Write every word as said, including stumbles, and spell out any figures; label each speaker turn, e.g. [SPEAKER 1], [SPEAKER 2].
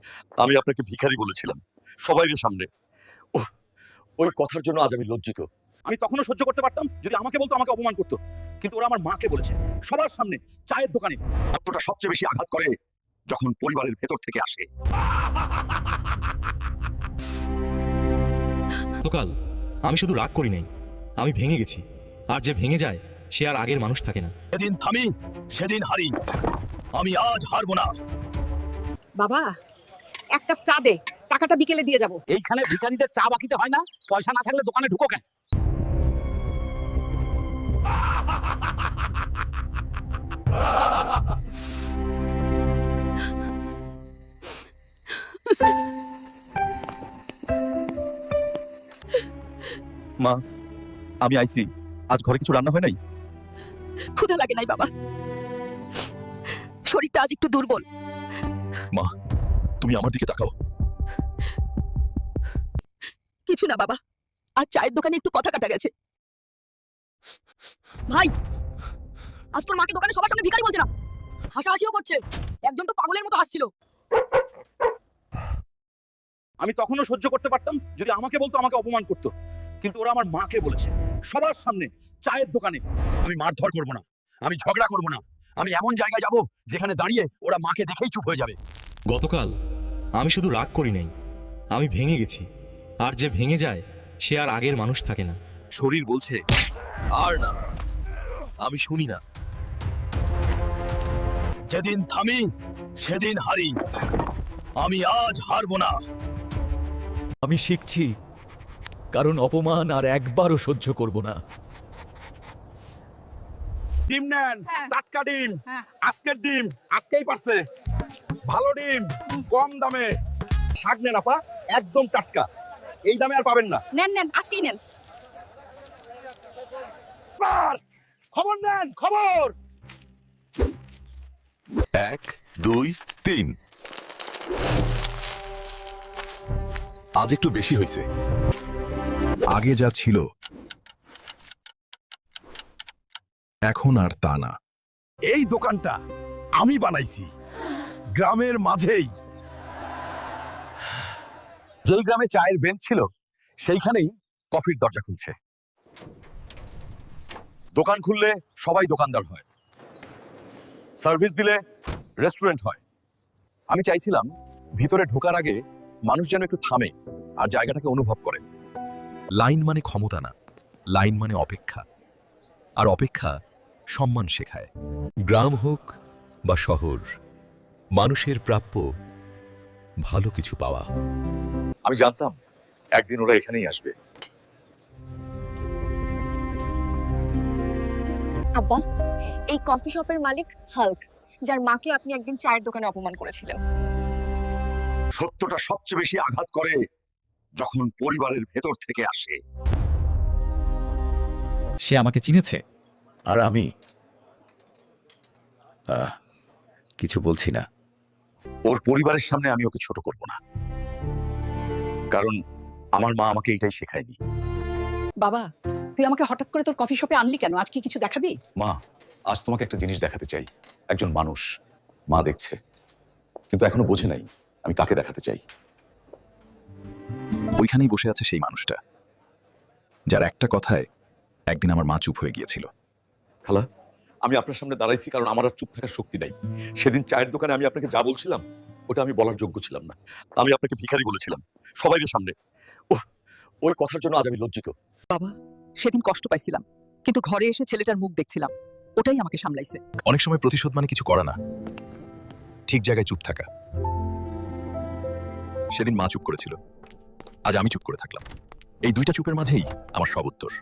[SPEAKER 1] আমি আপনাকে ভিখারি বলেছিলাম সবাইয়ের সামনে। ওহ, ওই কথার জন্য আজ আমি লজ্জিত।
[SPEAKER 2] আমি তখনও সহ্য করতে পারতাম যদি আমাকে বলতো, আমাকে অপমান করতো, কিন্তু ওরা আমার মাকে বলেছে সবার সামনে, চায়ের দোকানে।
[SPEAKER 1] আত্মটা সবচেয়ে বেশি আঘাত করে যখন পরিবারের ভেতর থেকে আসে।
[SPEAKER 3] গতকাল আমি শুধু রাগ করি নাই, আমি ভেঙে গেছি। আর যে ভেঙে যায় সে আর আগের মানুষ থাকে না।
[SPEAKER 1] সেদিন থামি সেদিন হারি, আমি আজ হারবো না।
[SPEAKER 4] বাবা, এক কাপ চা দে, টাকাটা বিকেলে দিয়ে যাব।
[SPEAKER 2] এইখানে ভিখারিদের চা বাকিতে হয় না? পয়সা না থাকলে দোকানে ঢুকো কেন?
[SPEAKER 1] মা, আমি আইছি। আজ ঘরে কিছু রান্না হয় নাই?
[SPEAKER 4] ক্ষুধা লাগে নাই বাবা, শরীরটা আজ একটু দুর্বল।
[SPEAKER 1] মা, তুমি আমার দিকে তাকাও।
[SPEAKER 4] কিছু না বাবা, আর চায়ের দোকানে একটু কথা কাটা গেছে। ভাই, আজ তোর মাকে দোকানে সবার সামনে ভিখারি বলছে না, হাসাহাসিও করছে। একজন তো পাগলের মতো হাসছিল।
[SPEAKER 2] আমি তখনও সহ্য করতে পারতাম যদি আমাকে বলতো, আমাকে অপমান করতো, কিন্তু ওরা আমার মাকে বলেছে সবার সামনে, চায়ের দোকানে।
[SPEAKER 1] আমি মারধর করব না, আমি ঝগড়া করব না, আমি এমন জায়গায় যাব যেখানে দাঁড়িয়ে ওরা মাকে দেখেই চুপ হয়ে যাবে।
[SPEAKER 3] গতকাল আমি শুধু রাগ করি নাই, আমি ভেঙে গেছি। আর যে ভেঙে যায় সে আর আগের মানুষ থাকে না।
[SPEAKER 1] শরীর বলছে আর না, আমি শুনি না। যেদিন থামি সেদিন হারি, আমি আজ হারবো না।
[SPEAKER 5] আমি শিখছি, কারণ অপমান আর একবারও সহ্য করব না।
[SPEAKER 2] ডিম নেন, টাটকা ডিম, আজকের ডিম আজকেই পারছে, ভালো ডিম, কম দামে। শাক নেন আপা, একদম টাটকা, এই দামে আর পাবেন না।
[SPEAKER 4] নেন নেন, আজকেই নেন।
[SPEAKER 2] পার, খবর নেন, খবর।
[SPEAKER 1] এক দুই তিন। আজ একটু বেশি হয়েছে। আগে যা ছিল এখন আর তা না।
[SPEAKER 2] এই দোকানটা আমি বানাইছি গ্রামের মাঝেই।
[SPEAKER 1] যেই গ্রামে চায়ের বেঞ্চ ছিল সেইখানেই কফির দরজা খুলছে। দোকান খুললে সবাই দোকানদার হয়, সার্ভিস দিলে রেস্টুরেন্ট হয়। আমি চাইছিলাম ভিতরে ঢোকার আগে মানুষ যেন একটু থামে আর জায়গাটাকে অনুভব করে। লাইন মানে ক্ষমতা না, লাইন মানে অপেক্ষা, আর অপেক্ষা সম্মান শেখায়। গ্রাম হোক বা শহর, মানুষের প্রাপ্য ভালো কিছু পাওয়া। আমি জানতাম একদিন ওরা এখানেই আসবে।
[SPEAKER 6] আব্বা, এই কফি শপের মালিক হাল্ক, যার মাকে আপনি একদিন চায়ের দোকানে অপমান করেছিলেন।
[SPEAKER 1] সত্যটা সবচেয়ে বেশি আঘাত করে যখন পরিবারের ভেতর থেকে আসে।
[SPEAKER 5] সে আমাকে চিনেছে।
[SPEAKER 7] আর আমি আহ, কিছু বলছি না।
[SPEAKER 1] ওর পরিবারের সামনে আমি ওকে ছোট করব না, কারণ আমার মা আমাকে এটাই শেখায়নি।
[SPEAKER 4] বাবা, তুই আমাকে হঠাৎ করে তোর কফি শপে আনলি কেন? আজকে কিছু দেখাবি?
[SPEAKER 1] মা, আজ তোমাকে একটা জিনিস দেখাতে চাই। একজন মানুষ মা দেখছে, কিন্তু এখনো বোঝে নাই আমি কাকে দেখাতে চাই। ওইখানেই বসে আছে সেই মানুষটা, যার একটা কথায় একদিন আমার মা চুপ হয়ে গিয়েছিল। খালা, আমি আপনার সামনে দাঁড়াইছি কারণ আমার আর চুপ থাকার শক্তি নাই। সেদিন চায়ের দোকানে আমি আপনাকে যা বলছিলাম ওটা আমি বলার যোগ্য ছিলাম না। আমি আপনাকে ভিখারি বলেছিলাম সবাইয়ের সামনে। ওহ, ওই কথার জন্য আজ আমি লজ্জিত।
[SPEAKER 4] বাবা, সেদিন কষ্ট পাইছিলাম, কিন্তু ঘরে এসে ছেলেটার মুখ দেখছিলাম, ওটাই আমাকে সামলাইছে।
[SPEAKER 1] অনেক সময় প্রতিশোধ মানে কিছু করা না, ঠিক জায়গায় চুপ থাকা। সেদিন মা চুপ করেছিল, আজ আমি চুপ করে থাকলাম। এই দুইটা চুপের মাঝেই আমার সব উত্তর।